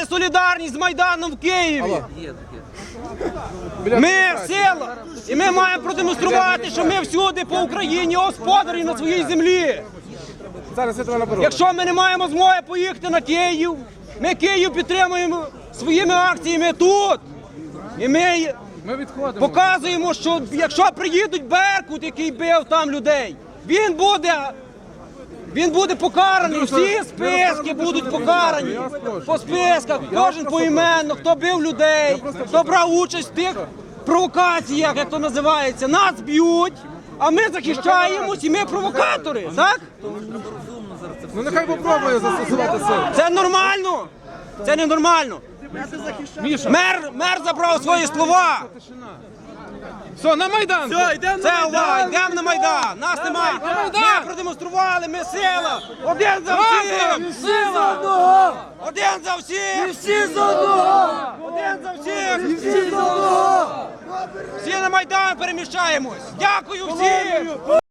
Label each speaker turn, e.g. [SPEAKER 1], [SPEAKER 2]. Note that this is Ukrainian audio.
[SPEAKER 1] показали солідарність з Майданом в Києві. Ми сила, і ми маємо продемонструвати, що ми всюди по Україні господарі на своїй землі. Якщо ми не маємо змоги поїхати на Київ, ми Київ підтримуємо своїми акціями тут. І ми показуємо, що якщо приїдуть Беркут, який бив там людей, він буде покараний, всі списки будуть покарані. По списках, кожен поіменно, хто бив людей, хто брав участь в тих провокаціях, як то називається. Нас б'ють, а ми захищаємось, і ми провокатори, так?
[SPEAKER 2] Ну нехай попробує застосувати силу.
[SPEAKER 1] Це нормально? Це не нормально. Мер забрав свої слова.
[SPEAKER 2] Все, на Майдан!
[SPEAKER 1] Це увага, йдемо на Майдан. Нас нема. Ми продемонстрували, ми сила. Один за всіх.
[SPEAKER 3] Сила!
[SPEAKER 1] Один за всіх.
[SPEAKER 3] Всі з одного!
[SPEAKER 1] Один за всіх.
[SPEAKER 3] Всі з одного!
[SPEAKER 1] Всі на Майдан переміщаємось. Дякую всім.